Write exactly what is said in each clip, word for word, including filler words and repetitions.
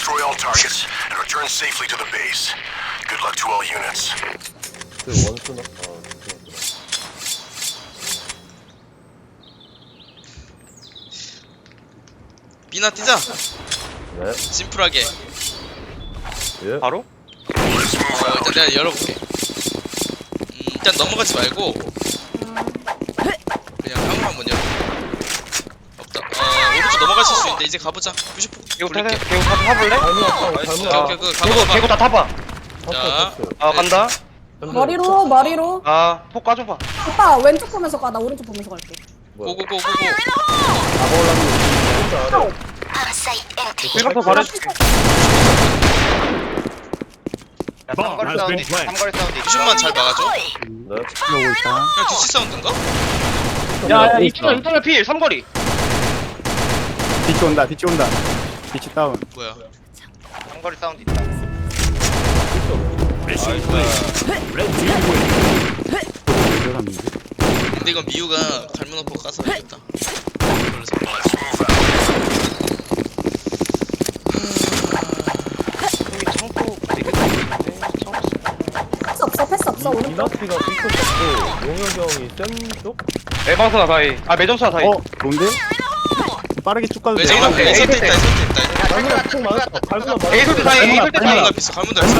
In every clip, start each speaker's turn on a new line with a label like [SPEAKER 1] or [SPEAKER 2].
[SPEAKER 1] Destroy all targets and return safely to the base. Good luck to all units.
[SPEAKER 2] 그 원수나? 아,
[SPEAKER 3] B나 뛰자.
[SPEAKER 2] 네.
[SPEAKER 3] 심플하게.
[SPEAKER 2] 예.
[SPEAKER 4] 바로?
[SPEAKER 1] Let's move
[SPEAKER 3] 어,
[SPEAKER 1] out.
[SPEAKER 3] 일단 내가 열어볼게. 음, 일단 넘어가지 말고 그냥 한번 먼저. 없다. 어, 오른쪽 넘어가실 수 있는데 이제 가보자. 구십포
[SPEAKER 4] 개구 타세?
[SPEAKER 3] 돌릴게.
[SPEAKER 4] 개구 타서 타볼래?
[SPEAKER 2] 잘못 왔다고,
[SPEAKER 3] 오케이,
[SPEAKER 2] 잘못
[SPEAKER 4] 아,
[SPEAKER 3] 오케이, 그 가봐,
[SPEAKER 4] 개구
[SPEAKER 3] 가봐.
[SPEAKER 4] 개구 다 타봐.
[SPEAKER 3] 자.
[SPEAKER 4] 아 간다.
[SPEAKER 5] 머리로 머리로.
[SPEAKER 4] 아폭 까줘봐.
[SPEAKER 5] 오빠 왼쪽 보면서 가. 나 오른쪽 보면서 갈게.
[SPEAKER 3] 고고고고고.
[SPEAKER 4] 일부터 말해줄게.
[SPEAKER 6] 삼거리 사운드 있어. 삼거리 사운드 있어.
[SPEAKER 3] 구십만 잘 막아줘.
[SPEAKER 2] 네.
[SPEAKER 7] 들어오고 있다.
[SPEAKER 3] 그냥 뒤치 사운드인가?
[SPEAKER 4] 야야 이천원 이천원 필 삼거리.
[SPEAKER 7] 뒤치 온다. 뒤치 온다. 뒤치 다운.
[SPEAKER 3] 뭐야?
[SPEAKER 6] 삼거리 사운드 있다.
[SPEAKER 7] 들어갔는데.
[SPEAKER 3] 근데 이건 미우가 갈무너포 까서 해야겠다. 그래서 막아줘.
[SPEAKER 4] 여기 창고 되게 있는데 창고.
[SPEAKER 5] 패스 없어 패스 없어 오른쪽.
[SPEAKER 2] 이나티가 삐끗했고 용혁이 형이 센 쪽?
[SPEAKER 4] 매방선아 다이. 아 매점수나 다이.
[SPEAKER 7] 어, 좋은데? 빠르게 쭉 가도
[SPEAKER 3] 왜
[SPEAKER 7] 돼.
[SPEAKER 3] 저기다
[SPEAKER 4] 에이,
[SPEAKER 3] 에이 설때
[SPEAKER 4] 에이,
[SPEAKER 3] 있다 에이 설때 있다.
[SPEAKER 2] 갈무나 총 맞았어. 갈무나 맞았어.
[SPEAKER 4] 에이 설때 다이. 에이 설때 다이.
[SPEAKER 3] 갈무나 비싸 갈무나 비싸.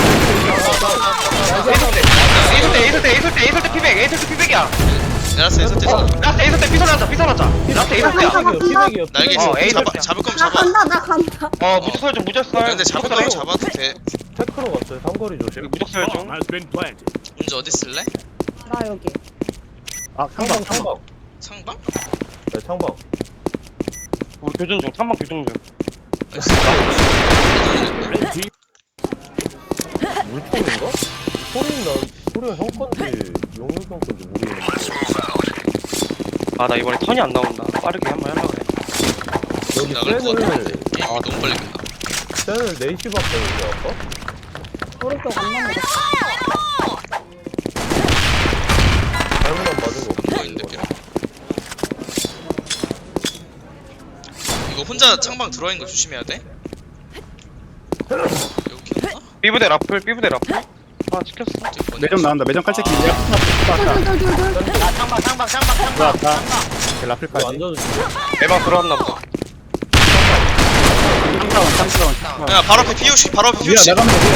[SPEAKER 4] 에이 설때. 에이 설때 에이 설때 에이 설때 에이 설때 피백. 에이 설때 피백이야.
[SPEAKER 3] 내라스 에이 설때 있어.
[SPEAKER 4] 라스트 에이 설때 피설하자 피설하자. 라스트 에이 설때야.
[SPEAKER 2] 피백이요, 피백이요.
[SPEAKER 3] 날개
[SPEAKER 4] 어, 에이
[SPEAKER 3] 잡아
[SPEAKER 4] 설때.
[SPEAKER 3] 잡을 거면
[SPEAKER 5] 나
[SPEAKER 3] 잡아.
[SPEAKER 5] 간다 나 간다.
[SPEAKER 4] 어 무적설 좀 무적설.
[SPEAKER 3] 근데 잡을 거면 잡아도 돼.
[SPEAKER 2] 테크로 갔어요. 삼거리 조심.
[SPEAKER 4] 여기 무적설 좀.
[SPEAKER 3] 문제 어디 쓸래?
[SPEAKER 5] 나 여기.
[SPEAKER 7] 아,
[SPEAKER 2] 창방,
[SPEAKER 7] 상방.
[SPEAKER 2] 창방.
[SPEAKER 3] 창방?
[SPEAKER 2] 네, 창방.
[SPEAKER 4] 우리 교전 중. 삼방 교전 중.
[SPEAKER 2] 물총인가? 소리는 난, 소리가 형 건지, 용혁이 형 건지 모르겠는데.
[SPEAKER 1] Let's move out.
[SPEAKER 4] 아 나 이번에 턴이 안 나온다. 빠르게 한번 하려고 그래.
[SPEAKER 2] 여기
[SPEAKER 3] 나갈 것
[SPEAKER 2] 센을,
[SPEAKER 3] 같은데. 게임이 너무 빨리 끝나.
[SPEAKER 2] 센을 네 시 봤거든요, 아까?
[SPEAKER 5] 오른쪽 안 넘어갔어.
[SPEAKER 2] 잘못만 맞은 거
[SPEAKER 3] 안 보이는데 삐 이거 혼자 창방 들어와 있는 거 조심해야 돼. 여기 켰나?
[SPEAKER 4] 삐부대 라플 삐부대 라플. 아 찍혔어.
[SPEAKER 7] 매점 나온다. 매점 칼채기. 들어왔다.
[SPEAKER 5] 둘둘둘둘.
[SPEAKER 6] 아 창방 창방 창방 창방.
[SPEAKER 7] 들어왔다. 라플까지.
[SPEAKER 2] 완전
[SPEAKER 4] 매방 들어왔나 보다.
[SPEAKER 7] 삼다운, 삼다운.
[SPEAKER 3] 야 바로 앞에 피오시 바로 앞에
[SPEAKER 7] 위야,
[SPEAKER 3] 피오시.
[SPEAKER 7] 나가면 돼.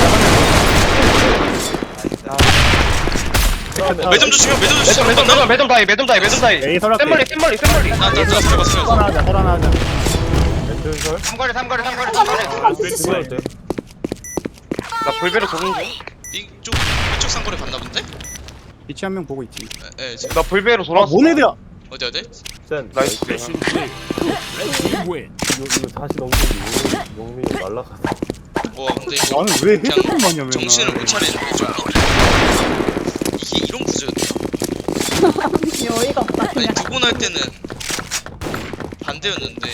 [SPEAKER 7] 나가면 돼.
[SPEAKER 3] 매점 조심해 매점
[SPEAKER 4] 매점
[SPEAKER 3] 조심.
[SPEAKER 4] 매점 매점 매점 다이 매점 다이 매점 다이.
[SPEAKER 7] 에이, 설악해.
[SPEAKER 4] 샘멀리 샘멀리 샘멀리.
[SPEAKER 3] 나나 들어가 들어가 들어가.
[SPEAKER 7] 설하자, 설하자.
[SPEAKER 2] 멘틀설?
[SPEAKER 6] 삼거리 삼거리 삼거리
[SPEAKER 5] 한번
[SPEAKER 6] 삼거리.
[SPEAKER 5] 한번 피치.
[SPEAKER 2] 그럴 때.
[SPEAKER 4] 나 불배로 도는 중.
[SPEAKER 3] 이쪽 이쪽 상거리 갔나 본데?
[SPEAKER 7] 뒤치 한 명 보고 있지.
[SPEAKER 3] 에, 에 지금
[SPEAKER 4] 나 불배로
[SPEAKER 7] 아,
[SPEAKER 4] 돌아왔어.
[SPEAKER 7] 뭔 애들야?
[SPEAKER 3] 어디 어디?
[SPEAKER 2] 센.
[SPEAKER 4] 나이스.
[SPEAKER 2] 이거, 이거 다시 넘기지. 용민이 날라가서.
[SPEAKER 3] 와 근데 이거
[SPEAKER 7] 나는 왜
[SPEAKER 3] 그냥
[SPEAKER 7] 헤드폰 마냐, 맨날.
[SPEAKER 3] 정신을 못 차리는 좀 이게 이런 구조였나?
[SPEAKER 5] 어이가 없다
[SPEAKER 3] 아니
[SPEAKER 5] 그냥.
[SPEAKER 3] 두 번 할 때는 반대였는데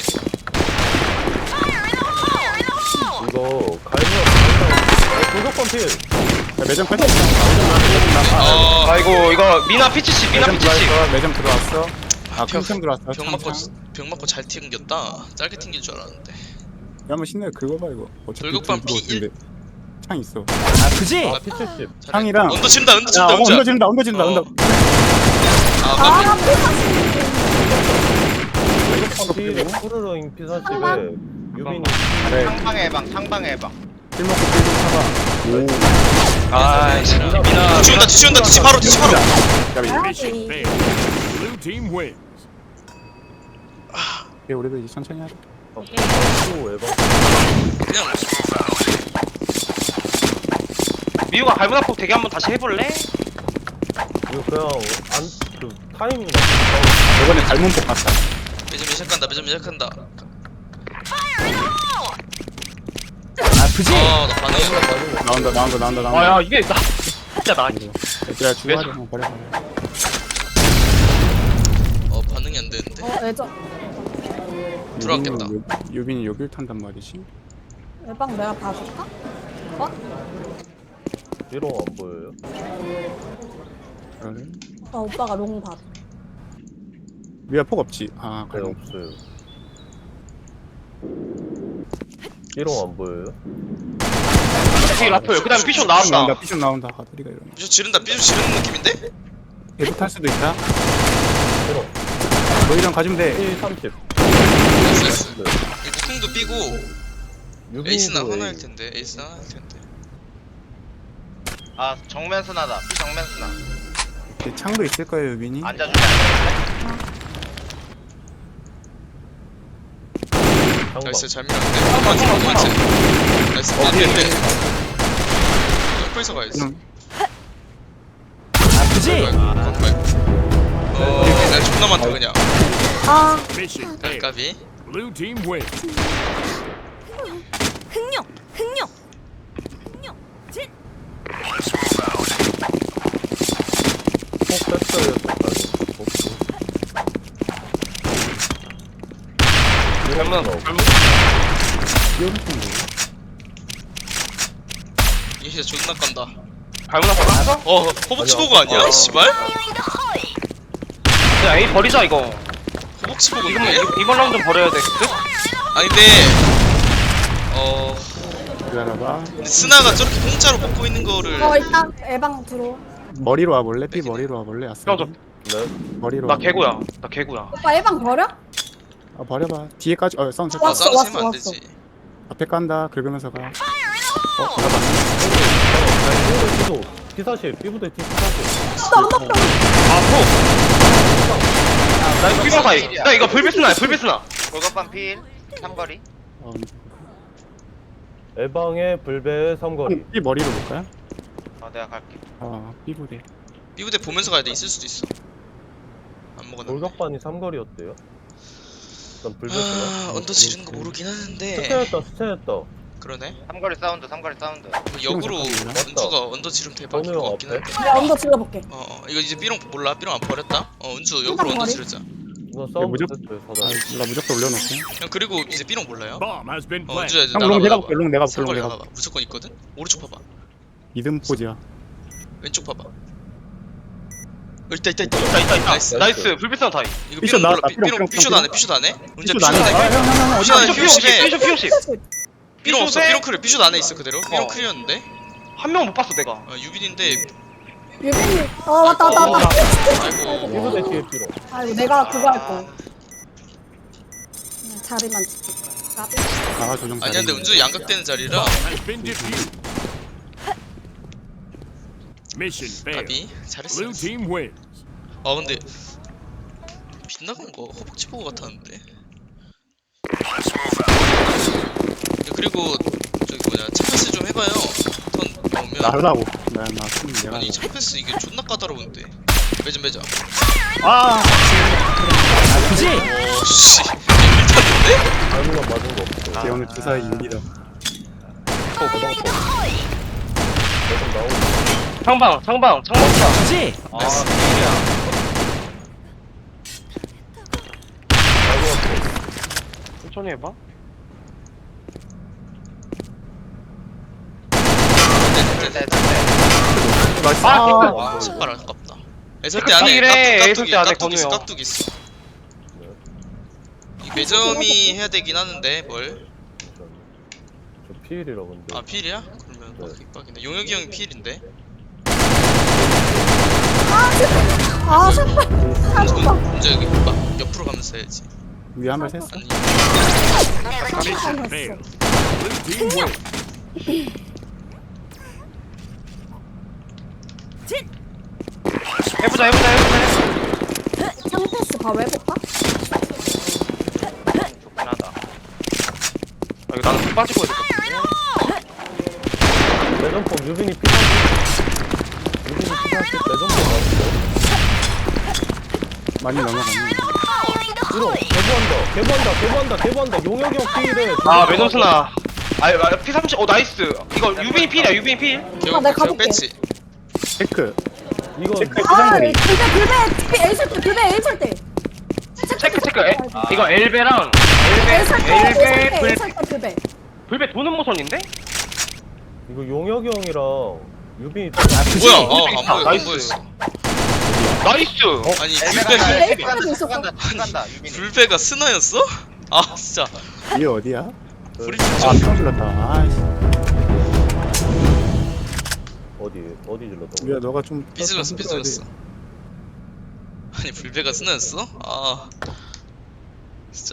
[SPEAKER 2] 이거, 갈무나, 도적권 필.
[SPEAKER 7] 야, 매점 칼채기.
[SPEAKER 3] 아
[SPEAKER 4] 아이고 이거 미나 피치씨 미나
[SPEAKER 7] 매점
[SPEAKER 4] 피치씨.
[SPEAKER 7] 들어왔어. 매점 들어왔어. 아,
[SPEAKER 3] 병-
[SPEAKER 7] 평생 들어왔어.
[SPEAKER 3] 병 맞고
[SPEAKER 7] 창창.
[SPEAKER 3] 병 맞고 잘 튕겼다. 짧게 튕길 줄 알았는데.
[SPEAKER 7] 야, 한번 신나게 긁어봐, 이거. 어차피
[SPEAKER 3] 돌격반
[SPEAKER 7] 들고
[SPEAKER 3] 피 일?
[SPEAKER 7] 있는데. 창 있어. 아, 그지?
[SPEAKER 2] 아, 피 칠십.
[SPEAKER 3] 잘해.
[SPEAKER 7] 창이랑.
[SPEAKER 3] 언더 친다 언더
[SPEAKER 7] 야,
[SPEAKER 3] 친다
[SPEAKER 7] 어,
[SPEAKER 3] 혼자.
[SPEAKER 7] 언더 진다, 언더 진다,
[SPEAKER 3] 어.
[SPEAKER 7] 언더.
[SPEAKER 3] 아
[SPEAKER 5] 아
[SPEAKER 3] 깜짝이야.
[SPEAKER 2] 도적권 필, 푸르르잉 피 사십에, 유민이.
[SPEAKER 7] 그래.
[SPEAKER 6] 창방의 해방 창방의 해방.
[SPEAKER 7] 실 먹고 필좀 사봐.
[SPEAKER 4] 아이씨 미나.
[SPEAKER 3] 뒤치 온다 뒤치 온다 뒤치 바로 뒤치 바로.
[SPEAKER 7] 오.
[SPEAKER 5] 가야지.
[SPEAKER 7] 야, 우리도 이제 천천히 하자.
[SPEAKER 2] 아, 또 에바.
[SPEAKER 3] 그냥
[SPEAKER 4] 미우가 갈무나폭 대기 한번 다시 해볼래?
[SPEAKER 2] 이거 그냥, 안, 그, 타이밍
[SPEAKER 7] 이번에 닮은 폭 같다.
[SPEAKER 3] 매점 시작한다 매점 시작한다.
[SPEAKER 7] 아프지?
[SPEAKER 3] 아나 반응.
[SPEAKER 2] 맞은 거.
[SPEAKER 7] 나온다, 나온다, 나온다, 나온다.
[SPEAKER 4] 아야 이게 나 진짜 나.
[SPEAKER 7] 얘들아, 주고하자. 어, 버려, 버려.
[SPEAKER 3] 어 반응이 안 되는데.
[SPEAKER 5] 어 애저.
[SPEAKER 3] 들어왔겠다.
[SPEAKER 7] 유빈이 요- 유빈이 여길 탄단 말이지.
[SPEAKER 5] 외방 내가 봐줄까? 어?
[SPEAKER 2] 이런 거안 보여요?
[SPEAKER 7] 그래?
[SPEAKER 5] 어 오빠가 롱 봐.
[SPEAKER 7] 위에 폭 없지. 아,
[SPEAKER 2] 네,
[SPEAKER 7] 갈문.
[SPEAKER 2] 없어요. 삐롱 안 보여요?
[SPEAKER 4] 뒤에 라플. 그 다음에 피쇼
[SPEAKER 7] 나온다
[SPEAKER 4] 나왔다.
[SPEAKER 7] 피션 나온다 가두리가 이러면
[SPEAKER 3] 삐죽 지른다 삐죽 지르는 느낌인데?
[SPEAKER 7] 얘도 탈 수도 있다
[SPEAKER 2] 삐롱
[SPEAKER 7] 너희랑 가주면 돼
[SPEAKER 2] 일 삼십
[SPEAKER 3] 나이스 나이스
[SPEAKER 2] 네.
[SPEAKER 3] 이 무통도 삐고
[SPEAKER 2] 유빈이도
[SPEAKER 3] 에이스나
[SPEAKER 2] A.
[SPEAKER 3] 하나일 텐데 에이스나 하나일 텐데
[SPEAKER 6] 아 정면 스나다 삐 정면 스나
[SPEAKER 7] 걔 창도 있을 거예요 유빈이
[SPEAKER 6] 앉아주면 안
[SPEAKER 2] 장방.
[SPEAKER 3] 나이스 잘 밀었는데 한번 한 번째 나이스
[SPEAKER 2] 어, 뒤에,
[SPEAKER 3] 안된대
[SPEAKER 2] 뒤에.
[SPEAKER 3] 점프해서 가야지
[SPEAKER 7] 그냥
[SPEAKER 3] 아프지? 어 내가 존나 많다 그냥
[SPEAKER 5] 아
[SPEAKER 8] Mission failed.
[SPEAKER 3] 까비
[SPEAKER 8] Blue team wins.
[SPEAKER 9] 흥룡 흥룡 흥룡 진
[SPEAKER 1] Let's move out.
[SPEAKER 2] 폭 뺐어요 저까지
[SPEAKER 4] 잘못
[SPEAKER 2] 삐롱
[SPEAKER 4] 잘못.
[SPEAKER 3] 이게 진짜 존나 깐다
[SPEAKER 4] 잘못 나왔어?
[SPEAKER 3] 어 허벅지 보고 아니야?
[SPEAKER 2] 어.
[SPEAKER 3] 씨발?
[SPEAKER 4] 야 A 버리자 이거.
[SPEAKER 3] 허벅지
[SPEAKER 4] 이번
[SPEAKER 3] 보고인데?
[SPEAKER 4] 이번 라운드 버려야 돼.
[SPEAKER 3] 아니 근데 어
[SPEAKER 7] 기다려봐
[SPEAKER 3] 근데 스나가 저렇게 공짜로 뽑고 있는 거를
[SPEAKER 5] 어 일단 에방 들어.
[SPEAKER 7] 머리로 와볼래? 삐 머리로 와볼래? 아싸
[SPEAKER 4] 형, 저-
[SPEAKER 2] 네
[SPEAKER 7] 머리로
[SPEAKER 4] 나
[SPEAKER 7] 와볼래?
[SPEAKER 4] 개구야. 나 개구야.
[SPEAKER 5] 오빠 에방 버려?
[SPEAKER 7] 아 버려봐 뒤에까지 어 사운드
[SPEAKER 3] 어
[SPEAKER 5] 왔어,
[SPEAKER 3] 싸움
[SPEAKER 5] 왔어,
[SPEAKER 3] 세면 안
[SPEAKER 5] 왔어.
[SPEAKER 3] 되지
[SPEAKER 7] 앞에 깐다 긁으면서 가
[SPEAKER 2] 삐도 T사실 삐부대 T 사실
[SPEAKER 5] 나 한번
[SPEAKER 4] 아 포. 나 이거 피방 사이. 나 이거 불비스나 불비스나.
[SPEAKER 6] 골격반 필 삼거리
[SPEAKER 7] 어,
[SPEAKER 2] 에방의 불배의 삼거리
[SPEAKER 7] 삐 머리로 볼까요?
[SPEAKER 6] 어 내가 갈게
[SPEAKER 7] 아 삐부대
[SPEAKER 3] 삐부대 보면서 가야 돼 있을 수도 있어 안 먹었는데
[SPEAKER 2] 돌격반이 삼거리였대요 일단
[SPEAKER 3] 아
[SPEAKER 2] 불배스나
[SPEAKER 3] 언더 지르는 거 모르긴 하는데
[SPEAKER 2] 스체였다 스체였다
[SPEAKER 3] 그러네
[SPEAKER 6] 삼거리 사운드 삼거리 사운드
[SPEAKER 3] 뭐 역으로
[SPEAKER 7] 잠깐만요.
[SPEAKER 3] 은주가 언더 지르면 대박일
[SPEAKER 2] 전우형
[SPEAKER 3] 것 같긴
[SPEAKER 2] 앞에?
[SPEAKER 3] 한데
[SPEAKER 5] 내가 언더 질러볼게.
[SPEAKER 3] 어, 어 이거 이제 삐롱 몰라 삐롱 안 버렸다 어 은주 역으로 언더
[SPEAKER 5] 머리?
[SPEAKER 3] 지르자
[SPEAKER 2] 이거 싸움
[SPEAKER 7] 무조건-
[SPEAKER 2] 됐어요
[SPEAKER 7] 아
[SPEAKER 2] 사단
[SPEAKER 7] 나 무조건 올려놓게
[SPEAKER 3] 형 그리고 이제 삐롱 몰라요?
[SPEAKER 8] Bomb has been
[SPEAKER 3] 어
[SPEAKER 8] planted.
[SPEAKER 3] 은주야 이제
[SPEAKER 7] 형,
[SPEAKER 3] 나가봐
[SPEAKER 7] 롱 내가
[SPEAKER 3] 나가봐
[SPEAKER 7] 볼게, 롱 내가 볼게, 롱
[SPEAKER 3] 삼거리
[SPEAKER 7] 내가
[SPEAKER 3] 나가봐 무조건 있거든? 오른쪽 봐봐
[SPEAKER 7] 이든 포즈야
[SPEAKER 3] 왼쪽 봐봐 어, 있다 있다 있다
[SPEAKER 4] 있다 있다 있다.
[SPEAKER 3] 나이스
[SPEAKER 4] 나이스 불비스나 타이.
[SPEAKER 3] 이거
[SPEAKER 7] 삐쇼
[SPEAKER 3] 삐롱 몰라
[SPEAKER 7] 나왔다,
[SPEAKER 3] 삐-
[SPEAKER 7] 삐롱,
[SPEAKER 3] 삐롱
[SPEAKER 7] 삐롱,
[SPEAKER 3] 삐쇼도 안해 삐쇼도 안해 은주야
[SPEAKER 7] 삐쇼
[SPEAKER 3] 삐쇼도
[SPEAKER 7] 나네
[SPEAKER 3] 안해
[SPEAKER 7] 형형형
[SPEAKER 3] 삐쇼 안해
[SPEAKER 4] 피쇼 피오십.
[SPEAKER 3] 피오십에
[SPEAKER 4] 피쇼 피오십.
[SPEAKER 3] 삐롱 없어
[SPEAKER 4] 삐쇼세?
[SPEAKER 3] 삐롱 크리 삐쇼도 안에 있어 그대로 삐롱
[SPEAKER 4] 어.
[SPEAKER 3] 크리였는데
[SPEAKER 4] 한 명 못 봤어 내가.
[SPEAKER 3] 어 유빈인데
[SPEAKER 5] 유빈이. 어 왔다 왔다 왔다.
[SPEAKER 3] 아이고
[SPEAKER 2] 삐부대 뒤에 삐롱
[SPEAKER 5] 아이고 내가 그거 할 거. 그냥 자리만 지킬 거야. 까비.
[SPEAKER 7] 아 조정
[SPEAKER 3] 아니야 근데 은주 양각되는 자리라
[SPEAKER 8] Has been defused. Mission failed.
[SPEAKER 3] 가비 잘했어
[SPEAKER 8] Blue team wins.
[SPEAKER 3] 아 근데 빗나간 거 허벅지 보고 같았는데
[SPEAKER 1] Let's move out.
[SPEAKER 3] 야, 그리고 저기 뭐냐 차패스 좀 해봐요 턴 나오면
[SPEAKER 7] 나라고 나나 내가
[SPEAKER 3] 아니 차패스 이게 존나 까다로운데 매점 매점
[SPEAKER 7] 아
[SPEAKER 3] 오씨 일탔는데?
[SPEAKER 2] 아무나 맞은 거 없어
[SPEAKER 7] 걔 오늘 주사위 인기다
[SPEAKER 2] 대성포 대성 나오고
[SPEAKER 4] 창방 창방 창방. 그지? 아
[SPEAKER 3] 나이스.
[SPEAKER 4] 이야. 천천히 해봐.
[SPEAKER 3] 네네네
[SPEAKER 7] 나이스
[SPEAKER 4] 아,
[SPEAKER 7] 아,
[SPEAKER 3] 와 신발 아깝다 애설대
[SPEAKER 4] 그
[SPEAKER 3] 안에
[SPEAKER 4] 딜에
[SPEAKER 3] 깍두기
[SPEAKER 4] 애설대 안에
[SPEAKER 3] 깍두기 있어
[SPEAKER 4] 건우요.
[SPEAKER 3] 깍두기 있어 이 매점이 해야 되긴 하는데 뭘?
[SPEAKER 2] 저 피일이라 근데
[SPEAKER 3] 아 필이야? 그러면
[SPEAKER 2] 네.
[SPEAKER 3] 빡- 빡이네 용혁이 형이 필인데
[SPEAKER 5] 아 제발. 아 오빠.
[SPEAKER 3] 문제 여기 막 옆으로 가면서 해야지
[SPEAKER 7] 위에 한발 셌어
[SPEAKER 3] 아니
[SPEAKER 8] Mission failed. Blue team wins.
[SPEAKER 4] 해보자 해보자 해보자.
[SPEAKER 5] 상패스 봐 해볼까?
[SPEAKER 6] 좋긴 하다
[SPEAKER 4] 아 이거 나는 좀 빠지고 해야 될것 같은데.
[SPEAKER 2] 대전포 유빈이 피사실 유빈이 피사실 대전포 나왔어
[SPEAKER 7] 많이 넘어갔네
[SPEAKER 2] 삐롱 개부한다 개부한다 개부한다 개부한다 용혁이 형 피일에
[SPEAKER 4] 아 매너스나. 아 피 삼십. 어 나이스. 이거 유빈이 필이야 유빈이 필.
[SPEAKER 3] 기억
[SPEAKER 5] 아, 내가
[SPEAKER 3] 기억
[SPEAKER 5] 가볼게.
[SPEAKER 3] 뺐지
[SPEAKER 7] 체크
[SPEAKER 2] 이거
[SPEAKER 7] 체크
[SPEAKER 5] 아
[SPEAKER 7] 부상거리
[SPEAKER 5] 불배 불배 에이 설 때, 불배 에이 설 때.
[SPEAKER 4] 체크 체크. 에, 이거 엘베랑
[SPEAKER 5] 에이 설 때,
[SPEAKER 4] 엘베
[SPEAKER 5] 에이 설 때,
[SPEAKER 4] 엘베 불
[SPEAKER 5] 에이 설 때 불배.
[SPEAKER 4] 불배 도는 모션인데?
[SPEAKER 2] 이거 용혁이 형이랑 유빈이
[SPEAKER 3] 뭐야 어안
[SPEAKER 4] 아,
[SPEAKER 3] 보여 안
[SPEAKER 4] 나이스.
[SPEAKER 3] 보였어
[SPEAKER 4] 나이스.
[SPEAKER 3] 아니
[SPEAKER 6] 엘베가
[SPEAKER 3] 불배가
[SPEAKER 5] 에이 설 때도 있었어.
[SPEAKER 6] 간다 간다 유빈이
[SPEAKER 3] 불배가 스나였어? 아 진짜
[SPEAKER 7] 위에 어디야?
[SPEAKER 3] 불이
[SPEAKER 7] 아
[SPEAKER 3] 좀
[SPEAKER 7] 평 질렀다. 아이씨.
[SPEAKER 2] 어디 어디 질렀다고?
[SPEAKER 7] 야 너가 좀
[SPEAKER 3] 삐질렀어 삐질렀어. 아니 불배가 스나였어? 아 진짜.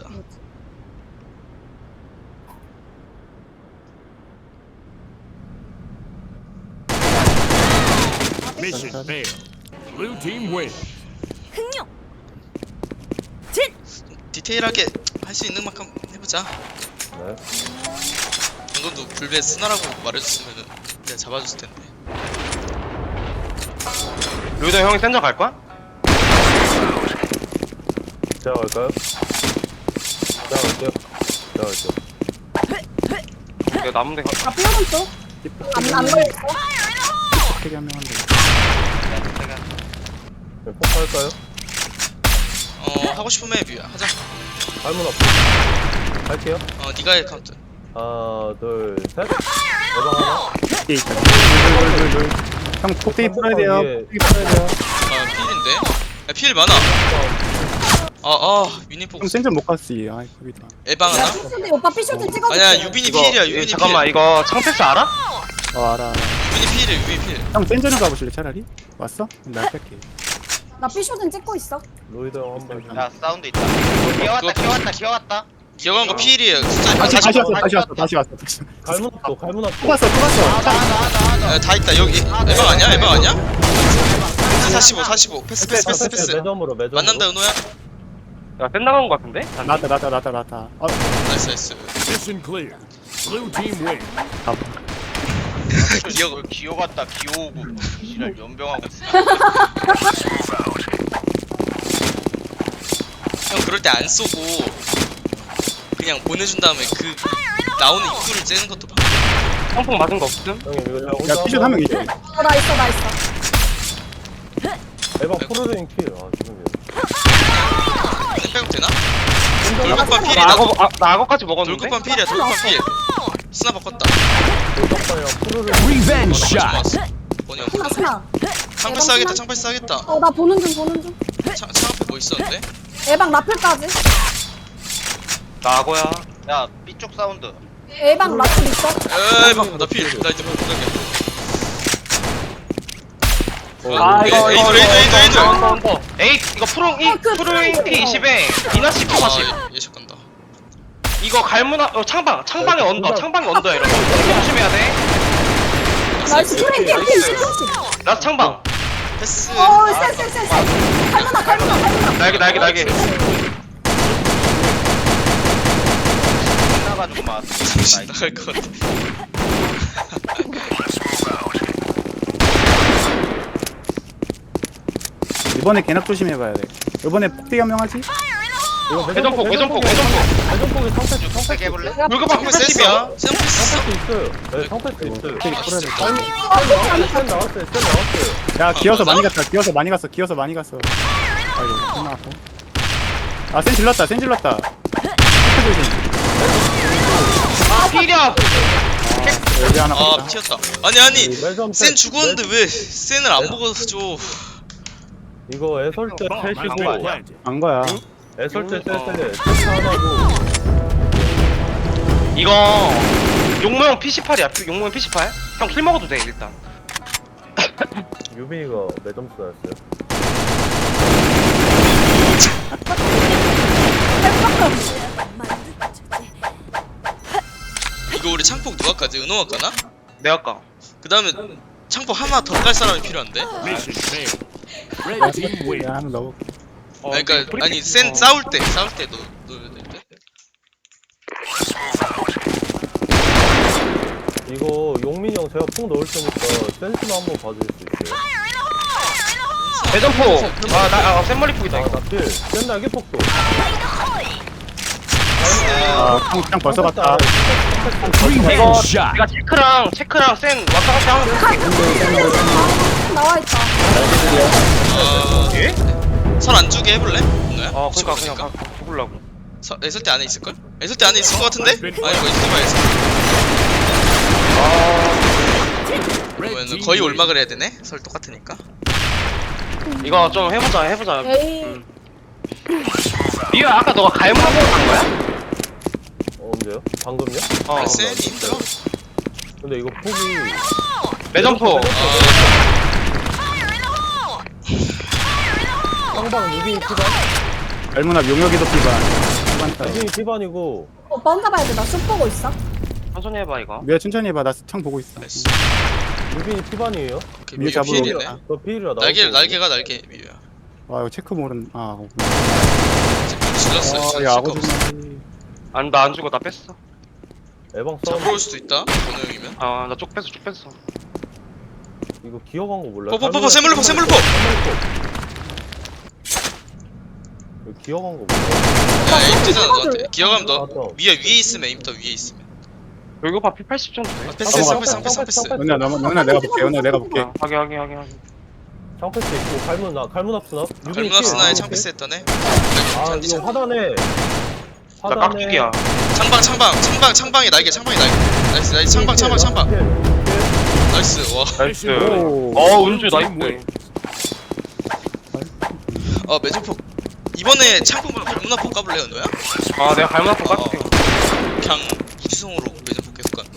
[SPEAKER 8] Mission failed. Blue team wins.
[SPEAKER 9] 흥룡 진
[SPEAKER 3] 디테일하게 할 수 있는 만큼 해보자.
[SPEAKER 2] 네.
[SPEAKER 3] 방금도 불배 스나라고 말해줬으면은 내가 잡아줬을 텐데.
[SPEAKER 4] 로이더 형이 센터 갈 거야?
[SPEAKER 2] 제가 갈까요? 제가 갈게요. 제가 갈게요.
[SPEAKER 4] 내가 남은 데 가.
[SPEAKER 5] 아 삐오른쪽 안안 걸렸어?
[SPEAKER 7] 되게 한명 한대.
[SPEAKER 2] 네, 폭 할까요?
[SPEAKER 3] 어 하고 싶으면 해 뮤야 하자.
[SPEAKER 2] 갈문 앞. 갈게요.
[SPEAKER 3] 어 니가 해 카운트.
[SPEAKER 2] 하나, 둘, 셋. 예방 하나.
[SPEAKER 7] 뒤에 있다. 둘둘둘둘. 형 폭대기 풀어야 돼요.
[SPEAKER 2] 위에.
[SPEAKER 7] 폭대기 풀어야 돼요.
[SPEAKER 3] 아 필인데? 야 필 많아. 아아 유니폼
[SPEAKER 7] 형 센전 못 갔지. 아이 거기다.
[SPEAKER 3] 에방 하나?
[SPEAKER 5] 근데 오빠 피쇼트 찍어줄게.
[SPEAKER 3] 아니야 유빈이
[SPEAKER 4] 이거
[SPEAKER 3] 필이야
[SPEAKER 4] 이-
[SPEAKER 3] 유빈이
[SPEAKER 4] 잠깐만
[SPEAKER 3] 필.
[SPEAKER 4] 이거 창패스 알아?
[SPEAKER 7] 어 알아.
[SPEAKER 3] 유빈이 필이야 유빈이 필.
[SPEAKER 7] 형 센전을 가보실래 차라리? 왔어? 그럼 나 뺄게.
[SPEAKER 5] 나 피쇼트 찍고 있어.
[SPEAKER 2] 로이더 형 한 발.
[SPEAKER 6] 야 사운드 있다. 기어왔다 기어왔다 기어왔다.
[SPEAKER 3] 기억한 거 필이에요. 숫자
[SPEAKER 7] 다시
[SPEAKER 3] 다시
[SPEAKER 7] 다시
[SPEAKER 3] 봐.
[SPEAKER 7] 왔어. 다시 왔어. 다시 왔어. 다시 왔어.
[SPEAKER 2] 갈문 앞도 갈문 앞도.
[SPEAKER 7] 또 갔어. 또 갔어.
[SPEAKER 6] 나나나나
[SPEAKER 3] 야, 다 있다 여기. 에방 아니야? 에방 아니야? 사십오 사십오 패스 패스 패스 패스.
[SPEAKER 2] 매점으로 매점.
[SPEAKER 3] 만난다 은호야.
[SPEAKER 4] 야, 센 나간 거 같은데?
[SPEAKER 7] 나왔다 나왔다 나왔다 나왔다. 어
[SPEAKER 3] 나이스 나이스.
[SPEAKER 8] Mission clear. Blue team wins.
[SPEAKER 3] 기억
[SPEAKER 6] 기어갔다 기어오고 지랄 연병하고 있어.
[SPEAKER 3] 형 그럴 때 안 쏘고 그냥 보내준 다음에 그 나오는 입구를 째는 것도 봐.
[SPEAKER 4] 성폭 맞은 거 없음?
[SPEAKER 2] 형님 이거 제가 혼자
[SPEAKER 7] 야 피슛 한명 있지.
[SPEAKER 5] 어 나 있어 나 있어.
[SPEAKER 2] 에방 프로레인 킬. 아 지금요.
[SPEAKER 3] 쌤 백업 되나?
[SPEAKER 5] 나
[SPEAKER 3] 돌격반
[SPEAKER 5] 나
[SPEAKER 3] 필이다.
[SPEAKER 4] 나 악어, 아, 나 악어까지 먹었는데?
[SPEAKER 3] 돌격반 필이야 돌격반 필. 스나 바꿨다.
[SPEAKER 2] 돌격반이랑 프로레인.
[SPEAKER 8] Revenge shot.
[SPEAKER 3] 좋았어. 번이 형.
[SPEAKER 5] 스나 스나.
[SPEAKER 3] 창패스 하겠다 창패스 하겠다.
[SPEAKER 5] 어 나 보는 중 보는 중.
[SPEAKER 3] 창, 창 앞에 뭐 있었는데?
[SPEAKER 5] 에방 라플까지.
[SPEAKER 4] 나 악어야.
[SPEAKER 6] 야 B쪽 사운드.
[SPEAKER 5] 에방 라플 있어.
[SPEAKER 3] 에이 막나 필. 나 이제 못 가게.
[SPEAKER 4] 아 이거
[SPEAKER 3] 에이드,
[SPEAKER 4] 이거
[SPEAKER 3] 에이드, 에이드, 에이드.
[SPEAKER 4] 언더 언더 에이 이거 프로 이
[SPEAKER 5] 어, 그
[SPEAKER 4] 프로인
[SPEAKER 5] 프로인
[SPEAKER 4] 피 이십에 이나 십 사십
[SPEAKER 3] 아 예측 간다.
[SPEAKER 4] 이거 갈무나 어 창방 창방에
[SPEAKER 2] 네,
[SPEAKER 4] 언더
[SPEAKER 2] 둘 다-
[SPEAKER 4] 창방에 언더 이러면 조심해야 돼.
[SPEAKER 5] 나이스 프레임 피피
[SPEAKER 4] 나이스.
[SPEAKER 5] 피피.
[SPEAKER 4] 라스 창방
[SPEAKER 3] 패스.
[SPEAKER 5] 어쎄쎄쎄쎄. 갈무나 갈무나 갈무나.
[SPEAKER 4] 날개 날개 날개.
[SPEAKER 6] 나가지고 막.
[SPEAKER 3] 정신 나갈 것 같아.
[SPEAKER 7] 이번에 개낙 조심해봐야 돼. 이번에 폭대기 한명 하지?
[SPEAKER 2] 이거
[SPEAKER 4] 회전폭 회전폭 회전폭.
[SPEAKER 2] 매점폭이 상패스
[SPEAKER 6] 세
[SPEAKER 2] 상패스.
[SPEAKER 6] 개볼래?
[SPEAKER 4] 물급방
[SPEAKER 3] 창패스 했어.
[SPEAKER 4] 패스야.
[SPEAKER 3] 쌤 패스 했어.
[SPEAKER 2] 상패스 있어요. 네 상패스 있어요.
[SPEAKER 7] 폭대기 풀어야 돼.
[SPEAKER 2] 갈문 나왔어요. 쌤 나왔어요. 쌤 나왔어요.
[SPEAKER 7] 야 기어서
[SPEAKER 3] 맞아?
[SPEAKER 7] 많이 갔다. 기어서 많이 갔어. 기어서 많이 갔어. 아이고 끝나고. 아센 질렀다. 센 질렀다. 체크 조심.
[SPEAKER 4] 아 필이야.
[SPEAKER 7] 여기 하나
[SPEAKER 3] 아
[SPEAKER 7] 갔다.
[SPEAKER 3] 튀었다. 아니 아니
[SPEAKER 2] 매점
[SPEAKER 3] 센
[SPEAKER 2] 때-
[SPEAKER 3] 죽었는데 왜 센을 안 보고 줘?
[SPEAKER 2] 이거 애설 때
[SPEAKER 8] Bomb has
[SPEAKER 2] 셋이고
[SPEAKER 8] been planted.
[SPEAKER 7] 안 거야.
[SPEAKER 2] 애설 때 셋에 셋 하나고
[SPEAKER 4] 이거 용모형 피십팔이야. 용모형 피십팔. 형 킬 먹어도 돼 일단.
[SPEAKER 2] 유빈이가 몇 점수 나왔어요?
[SPEAKER 3] 이거 우리 창폭 누가까지 은호가 까나?
[SPEAKER 4] 내가 까.
[SPEAKER 3] 그 다음에 창폭 하나 더 깔 사람이 필요한데?
[SPEAKER 8] Mission failed. Red team wins.
[SPEAKER 7] 야 한번 넣어.
[SPEAKER 4] 어,
[SPEAKER 3] 아니, 그러니까
[SPEAKER 4] 브리핑-
[SPEAKER 3] 아니 센
[SPEAKER 4] 어.
[SPEAKER 3] 싸울 때 싸울 때 넣, 넣어야 될 때?
[SPEAKER 2] 이거 용민이 형 제가 폭 넣을 테니까 센스만 한번 봐줄 수 있어요?
[SPEAKER 4] 회전폭. 아나 아, 센머리폭이다 이거.
[SPEAKER 2] 아나필 센 날개 폭도
[SPEAKER 7] 아형 벌써 갔다.
[SPEAKER 8] Revenge
[SPEAKER 4] 이거
[SPEAKER 8] shot.
[SPEAKER 4] 내가 체크랑 체크랑 센 왔다 갔다 하는 거.
[SPEAKER 5] 나와 있다.
[SPEAKER 3] 아...
[SPEAKER 4] 예?
[SPEAKER 3] 설안 주게 해볼래? 은호야?
[SPEAKER 4] 어
[SPEAKER 3] 혹시
[SPEAKER 4] 그니까 그냥
[SPEAKER 3] 모르니까?
[SPEAKER 4] 가- 죽으려고.
[SPEAKER 3] 서, 애설 때 안에 있을걸? 애설 때 안에 있을 것 같은데? 아니 이거 있을 거야 애설
[SPEAKER 8] Red
[SPEAKER 3] 그러면
[SPEAKER 8] team
[SPEAKER 3] 거의
[SPEAKER 8] wins.
[SPEAKER 3] 올막을 해야 되네? 설 똑같으니까
[SPEAKER 4] 이거 좀 해보자 해보자.
[SPEAKER 5] 에이.
[SPEAKER 4] 미유야 아까 너가 갈무하고 간 거야?
[SPEAKER 2] 어 언제요? 방금요?
[SPEAKER 4] 어
[SPEAKER 3] 아 센이 힘들어.
[SPEAKER 2] 근데 이거 폭이
[SPEAKER 4] 매점포.
[SPEAKER 2] 쌍방 유빈이 피반?
[SPEAKER 7] 알문아 용역이도 피반. 피반 따위.
[SPEAKER 2] 유빈이 피반이고
[SPEAKER 5] 오빠 혼자 봐야 돼. 나 슛 보고 있어.
[SPEAKER 4] 천천히 해봐 이거.
[SPEAKER 7] 미야 천천히 해봐. 나 창 보고 있어.
[SPEAKER 3] 나이스.
[SPEAKER 2] 유빈이 피반이에요?
[SPEAKER 3] 오케이
[SPEAKER 7] 위에
[SPEAKER 3] 미유
[SPEAKER 7] 잡으러
[SPEAKER 3] 필이네.
[SPEAKER 7] 오겠다.
[SPEAKER 2] 너 피일이라 나올
[SPEAKER 3] 날개
[SPEAKER 2] 거고.
[SPEAKER 3] 날개가 날개 미유야.
[SPEAKER 7] 와 이거 체크 모른. 아.
[SPEAKER 3] 질렀어.
[SPEAKER 7] 아,
[SPEAKER 3] 진짜
[SPEAKER 7] 야
[SPEAKER 3] 실가
[SPEAKER 7] 아고
[SPEAKER 3] 없어.
[SPEAKER 7] 좀.
[SPEAKER 4] 안 나 안 죽어 나 뺐어.
[SPEAKER 2] 에방
[SPEAKER 3] 잡으러
[SPEAKER 2] 싸움
[SPEAKER 3] 올 수도 있다. 번호 형이면.
[SPEAKER 4] 아 나 쪽 뺐어 쪽 뺐어.
[SPEAKER 2] 이거 기어간 거 몰라요?
[SPEAKER 3] 포포포포 세물포 세물포.
[SPEAKER 2] 이거 기어간 거 몰라요?
[SPEAKER 3] 야 에임 뜨잖아 너한테.
[SPEAKER 5] 줄.
[SPEAKER 3] 기어가면 너
[SPEAKER 2] 맞아.
[SPEAKER 3] 위에 위에 있으면 에임 떠 위에 있으면.
[SPEAKER 4] 여기 봐 피 팔십 정도 돼.
[SPEAKER 3] 아, 패스 패스 패스 패스 패스.
[SPEAKER 7] 연아 너 연아 내가 볼게. 연아 내가 볼게.
[SPEAKER 4] 아, 확인 확인 확인 확인.
[SPEAKER 2] 창패스 있고 갈문 앞 갈문 앞스나?
[SPEAKER 3] 갈문 앞스나에 창패스 했다네.
[SPEAKER 2] 아 이거 화단에
[SPEAKER 4] 나 깍두기야.
[SPEAKER 3] 창방 창방 창방 창방에 날개 창방에 날개. 나이스 나이스 창방 창방 창방. 나이스 와.
[SPEAKER 4] 나이스.
[SPEAKER 7] 오.
[SPEAKER 4] 어 은주 나이스.
[SPEAKER 3] 아 매점폭. 이번에 창폭 말고 갈문 앞폭 까볼래요 너야?
[SPEAKER 4] 아 내가 갈문 앞으로
[SPEAKER 3] 어.
[SPEAKER 4] 깎을게.
[SPEAKER 3] 그냥 무지성으로 매점폭 계속 가.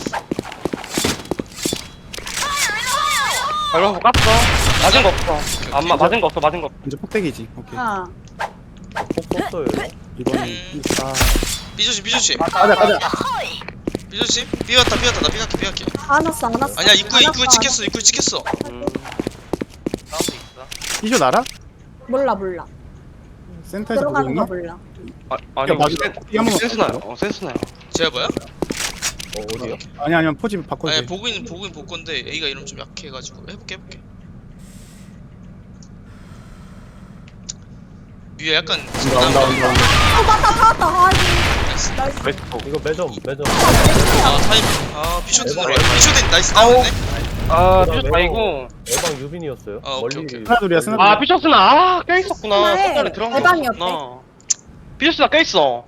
[SPEAKER 4] 갈문 앞으로 깠어. 맞은 거 없어. 안마 맞은 거 없어 맞은 거 없어.
[SPEAKER 7] 이제 폭대기지. 오케이.
[SPEAKER 5] 아.
[SPEAKER 2] 폭 썼어요
[SPEAKER 7] 이번에.
[SPEAKER 3] 음.
[SPEAKER 7] 아.
[SPEAKER 3] 삐조심 삐조심
[SPEAKER 7] 가자 가자.
[SPEAKER 3] 삐조심. 삐왔다 삐왔다 나 삐갈게 삐갈게.
[SPEAKER 5] 안 왔어 안 왔어.
[SPEAKER 3] 아니야 입구에
[SPEAKER 5] 안
[SPEAKER 3] 입구에
[SPEAKER 5] 왔어,
[SPEAKER 3] 찍혔어 입구에 찍혔어.
[SPEAKER 4] 음.
[SPEAKER 6] 사운드 있어.
[SPEAKER 7] 이쇼 알아?
[SPEAKER 5] 몰라 몰라.
[SPEAKER 7] 센터에서 보고
[SPEAKER 5] 들어가는
[SPEAKER 7] 있나?
[SPEAKER 5] 거 몰라.
[SPEAKER 4] 아 아니
[SPEAKER 7] 야, 맞아.
[SPEAKER 4] 센-
[SPEAKER 7] 이 한번
[SPEAKER 4] 센스나요. 어 센스나요.
[SPEAKER 3] 제가 뭐야?
[SPEAKER 2] 어 어디요?
[SPEAKER 7] 아니 아니면 포지 바꿔도
[SPEAKER 3] 아니
[SPEAKER 7] 돼.
[SPEAKER 3] 보고 있는 보고 있는 볼 건데 A가 이러면 좀 약해가지고 해볼게 해볼게. 위에 약간
[SPEAKER 7] 온다 온다 온다 온다.
[SPEAKER 5] 어 맞다 다 왔다. 아이고.
[SPEAKER 3] 나이스.
[SPEAKER 5] 나이스.
[SPEAKER 4] 웨스트.
[SPEAKER 2] 이거 매점 매점
[SPEAKER 3] 아 타임 아 피쇼트
[SPEAKER 2] 대박.
[SPEAKER 3] 들어와 피쇼트 나이스 다운했네.
[SPEAKER 4] 아
[SPEAKER 2] 그다음에
[SPEAKER 4] 피셔 다이고.
[SPEAKER 2] 에방 유빈이었어요
[SPEAKER 3] 아, 오케이,
[SPEAKER 2] 멀리
[SPEAKER 3] 오케이.
[SPEAKER 7] 하나 둘이야 스나.
[SPEAKER 4] 아 피셔스나 아 껴있었구나.
[SPEAKER 5] 그래,
[SPEAKER 4] 손가락에 들어간 게
[SPEAKER 5] 대박이었대.
[SPEAKER 4] 없구나. 피셔스나 껴있어.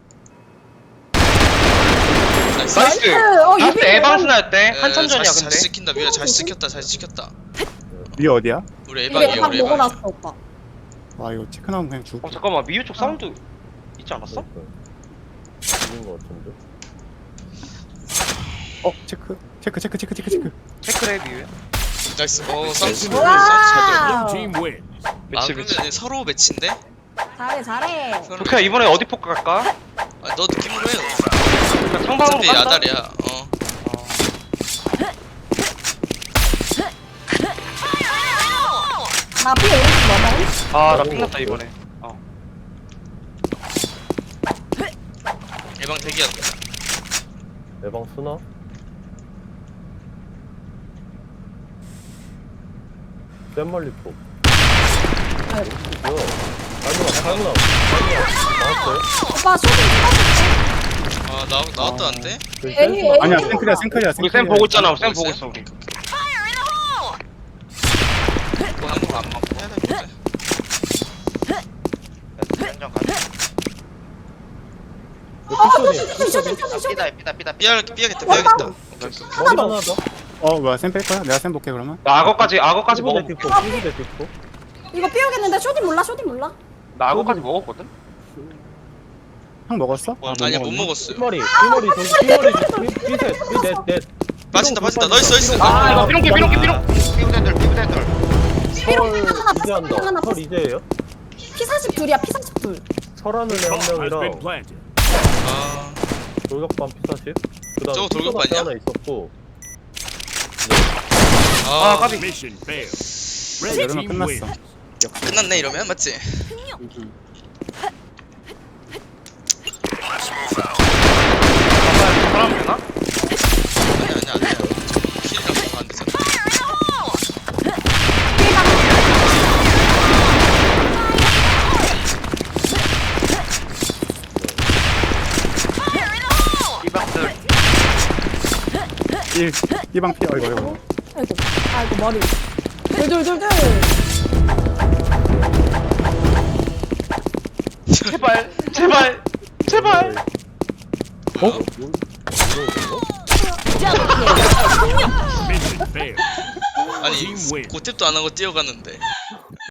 [SPEAKER 3] 나이스.
[SPEAKER 4] 나이스.
[SPEAKER 5] 어,
[SPEAKER 4] 라스트
[SPEAKER 5] 유빈이
[SPEAKER 4] 에반스나였대.
[SPEAKER 3] 에,
[SPEAKER 4] 한참 전이야
[SPEAKER 3] 잘, 잘
[SPEAKER 4] 근데.
[SPEAKER 3] 시킨다 미야 잘 시켰다 잘 시켰다.
[SPEAKER 7] 위에 어디야?
[SPEAKER 3] 우리
[SPEAKER 5] 이게
[SPEAKER 3] 에방이야
[SPEAKER 5] 밥
[SPEAKER 3] 우리
[SPEAKER 5] 보고
[SPEAKER 3] 에방.
[SPEAKER 5] 났어 오빠.
[SPEAKER 7] 와 이거 체크 나오면 그냥 죽.
[SPEAKER 4] 어 잠깐만 미유 쪽 사운드 있지 않았어?
[SPEAKER 2] 있는 거 같은데
[SPEAKER 7] 어 체크 체크 체크 체크 체크 체크.
[SPEAKER 4] 체크래 미유야.
[SPEAKER 3] 나이스. 어 사운드
[SPEAKER 8] Blue
[SPEAKER 3] 잘
[SPEAKER 5] 와.
[SPEAKER 8] team wins.
[SPEAKER 3] 들어. 아
[SPEAKER 4] 매치 매치.
[SPEAKER 3] 근데 서로 매치인데?
[SPEAKER 5] 잘해 잘해.
[SPEAKER 3] 서로
[SPEAKER 4] 도쿄야 이번에 어디 포크 갈까?
[SPEAKER 3] 아, 너 느낌으로 해.
[SPEAKER 4] 그냥 상방으로
[SPEAKER 3] 어차피
[SPEAKER 4] 간다?
[SPEAKER 3] 야달이야. 어.
[SPEAKER 5] 나 피 오른쪽 넘어.
[SPEAKER 4] 아나 끝났다 이번에. 어.
[SPEAKER 3] 예방 대기야.
[SPEAKER 2] 에방 스나? 쌤멀리 폭
[SPEAKER 5] 아이고.
[SPEAKER 2] 뭐야 갈문 앞 갈문 앞 갈문 앞 나왔어요?
[SPEAKER 5] 오빠 쇼딩 찍어줄게.
[SPEAKER 3] 아, 나 나왔다는데?
[SPEAKER 2] 저기
[SPEAKER 5] 에이,
[SPEAKER 2] 센스나-
[SPEAKER 5] 에이.
[SPEAKER 7] 아니야 생클이야 생클이야
[SPEAKER 4] 우리
[SPEAKER 7] 생클이야.
[SPEAKER 4] 쌤 보고 있잖아.
[SPEAKER 3] 보고
[SPEAKER 4] 쌤 보고
[SPEAKER 3] 있어요?
[SPEAKER 4] 있어 우리.
[SPEAKER 3] 이거 하는 거안 맞고 해야 돼.
[SPEAKER 6] 현장 가자.
[SPEAKER 2] 이거 피쇼니
[SPEAKER 5] 쇼딩 쇼딩 쇼딩 쇼딩.
[SPEAKER 6] 삐다 삐다 삐다.
[SPEAKER 3] 삐야 삐야겠다. 삐야겠다.
[SPEAKER 2] 머리 하나 더
[SPEAKER 7] 어 뭐야 쌤 뺄 거야? 내가 쌤 볼게 그러면.
[SPEAKER 4] 나 악어까지 악어까지 먹어.
[SPEAKER 2] 피부대 뒷폭 피부대 뒷폭
[SPEAKER 5] 이거 삐오겠는데 쇼딩 몰라 쇼딩 몰라.
[SPEAKER 4] 나 악어까지 먹었거든.
[SPEAKER 7] 형 먹었어?
[SPEAKER 3] 뭐, 아니야 못 먹었어요.
[SPEAKER 2] 삐머리 삐머리 저기 삐머리 삐셋 삐넷넷
[SPEAKER 3] 빠진다 빠진다. 나이스 나이스.
[SPEAKER 4] 아 이거 삐롱기 삐롱기 삐롱.
[SPEAKER 6] 피부대들 피부대들.
[SPEAKER 5] 삐롱 하나
[SPEAKER 2] 이제
[SPEAKER 5] 패스
[SPEAKER 2] 한다
[SPEAKER 5] 하나
[SPEAKER 2] 설
[SPEAKER 5] 패스.
[SPEAKER 2] 이제예요?
[SPEAKER 5] 피 사십 둘이야 피 사십 둘.
[SPEAKER 2] 설하는 애한
[SPEAKER 8] Has been
[SPEAKER 2] 명이랑
[SPEAKER 8] planted.
[SPEAKER 3] 아,
[SPEAKER 2] 돌격반 피사십 그
[SPEAKER 3] 저거
[SPEAKER 2] 다음에
[SPEAKER 3] 돌격반이야?
[SPEAKER 2] 하나 있었고
[SPEAKER 4] 아
[SPEAKER 3] 아,
[SPEAKER 4] 까비.
[SPEAKER 8] Mission failed. Red
[SPEAKER 7] 이러면
[SPEAKER 8] team
[SPEAKER 7] 끝났어.
[SPEAKER 8] wins.
[SPEAKER 3] 끝났네 이러면 맞지?
[SPEAKER 4] 사람 되나?
[SPEAKER 3] 아니야 아니야 아니야. 킬이랑 뭐안 되잖아.
[SPEAKER 6] 삐박들.
[SPEAKER 7] 일 이방 피 어이구 어이구.
[SPEAKER 5] 아이고 아이고 머리. 둘둘둘둘.
[SPEAKER 4] 제발 제발 제발.
[SPEAKER 7] 어?
[SPEAKER 8] Mission failed.
[SPEAKER 3] 아니
[SPEAKER 8] Team win.
[SPEAKER 3] 고탭도 안 하고 뛰어갔는데.